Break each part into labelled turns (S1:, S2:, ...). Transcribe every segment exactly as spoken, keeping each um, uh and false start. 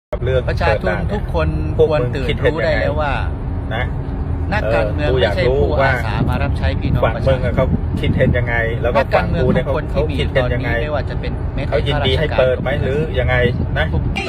S1: ประชาชนทุกคนควรตื่นรู้ได้แล้วว่า
S2: นะ
S1: นักการเมืองไม่ใช่ผู้อาสามารับใช้พี่น้องประชาชน
S2: เขาคิดเห็นยังไงแล้วก็ฝั่งกูเนี่ยเขาเขาคิดเห็นยังไง
S1: ไม่ว่าจะเป็น
S2: เขายินดีให้เปิดไหมหรือยังไงนะ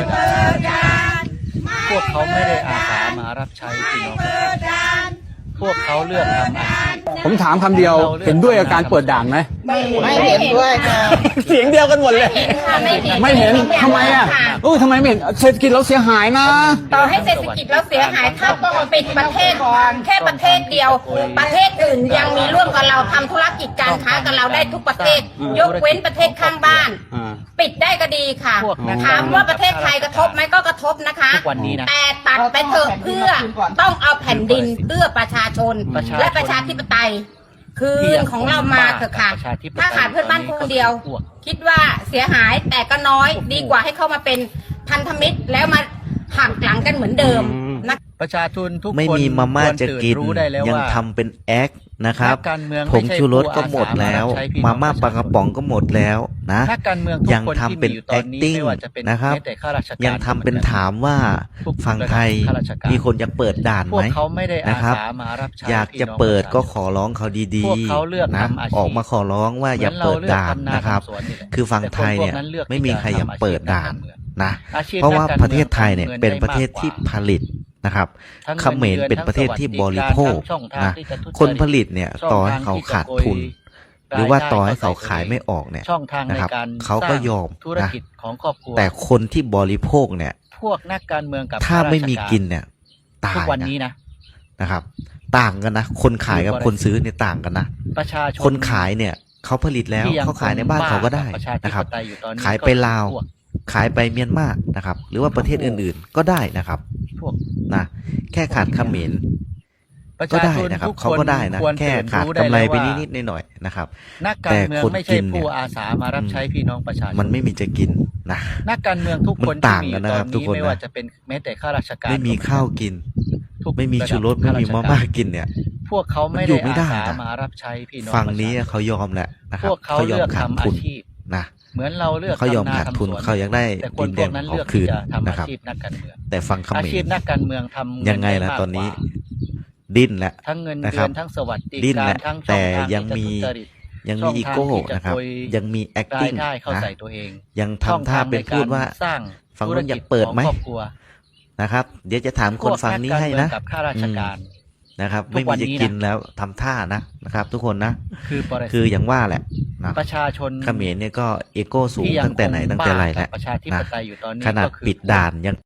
S1: พวกเขาไม่ได้อาสามารับใช้พี่น้องประชาชนพวกเขาเลือกทำอาชีพ
S3: ผมถามคำเดียวเห็นด้วยกับการเปิดด่านไหม
S4: ไม่เห็นด้วยค่ะ
S3: เสียงเดียวกันหมดเลยไม่เห็นทำไมอ่ะเออทำไมไม่เห็นเศรษฐกิจเราเสียหายนะ
S4: ต่อให้เศรษฐกิจเราเสียหายถ้าต้องปิดประเทศแค่ประเทศเดียวประเทศอื่นยังมีร่วมกับเราทำธุรกิจการค้ากับเราได้ทุกประเทศยกเว้นประเทศข้างบ้านปิดได้ก็ดีค่ะถามว่าประเทศไทยกระทบไหมก็กระทบนะคะแต่ตัดไปเถอะเพื่อต้องเอาแผ่นดินเพื่อประชาชนและประชาธิปไตยคืนของเรามาเถอะค่ะถ้าขาดเพื่อนบ้านคนเดียวคิดว่าเสียหายแต่ก็น้อยดีกว่าให้เข้ามาเป็นพันธมิตรแล้วมาหักหลังกันเหมือนเดิมนะ
S1: ประชาชนทุกคน
S5: ไม่มีมาม่าจะกินยังทำเป็นแอคนะครับผงชูรสก็หมดแล้วมาม่าปลากระป๋องก็หมดแล้วนะยังทำเป็นแอคติ้งนะครับยังทำเป็นถามว่าฝั่งไทยมีคนอยากเปิดด่านไหมนะครับอยากจะเปิดก็ขอร้องเขาดีๆนะออกมาขอร้องว่าอย่าเปิดด่านนะครับคือฝั่งไทยเนี่ยไม่มีใครอยากเปิดด่านนะเพราะว่าประเทศไทยเนี่ยเป็นประเทศที่ผลิตนะครับเขมรเป็นประเทศที่บริโภคนะคนผลิตเนี่ยต่อให้เขาขาดทุนหรือว่าต่อให้เขาขายไม่ออกเนี่ยนะครับเขาก็ยอมนะแต่คนที่บริโภคเนี่ย
S1: พวกนักการเมืองกับ
S5: ถ้าไม่มีกินเนี่ยตายนะนะครับต่างกันนะคนขายกับคนซื้อเนี่ยต่างกันนะคนขายเนี่ยเขาผลิตแล้วเขาขายในบ้านเขาก็ได้นะครับขายไปลาวขายไปเมียนมานะครับหรือว่าประเทศอื่นๆก็ได้นะครับนะแค่ขาดเขมรก็ได้นะครับเขาก็ได้นะแค่ขาดกำไรไปนิดๆหน่อยๆนะครับแต่คนกินเนี่ย
S1: อาสามารับใช้พี่น้องประชาชน
S5: มันไม่มีจะกินนะ
S1: นักการเมืองทุกคน
S5: ต่างกันนะครับทุกคน
S1: ไม่ว่าจะเป็นแม้แต่ข้าราชการ
S5: ไม่มีข้าวกินไม่มีชูรสไม่มีมะม่ากินเนี่ย
S1: พวกเขาไม่ได้อาสามารับใช้พี่น้อง
S5: ฝั่งนี้เขายอมแหละนะครับเขายอมขาดทุนนะ
S1: เหมือนเราเลือก
S5: เขายอมขาดทุนเขาอยากได้ดินแดนของคืนนะครับแต่ฟังเขมร
S1: อาชีพนักการเมืองทำ
S5: ยังไงล่ะตอนนี้ดิ้นแหละ
S1: ทั้งเงินเดือนทั้งสวัสดิการทั้ง
S5: แต่ยังมียังมีอีโก้นะครับยังมี acting นะยังทำท่าเป็นพูดว่าฝั่งนู้นอยากเปิดไหมนะครับเดี๋ยวจะถามคนฝั่งนี้ให้นะนะครับไม่มีจะกินแล้วทำท่านะนะครับทุกคนนะคืออย่างว่าแหละนะ
S1: ประชาชน
S5: เขมรเนี่ยก็เอโก้สูงตั้งแต่ไหนตั้งแต่ไรแล้วนะขนาดปิดด่านยัง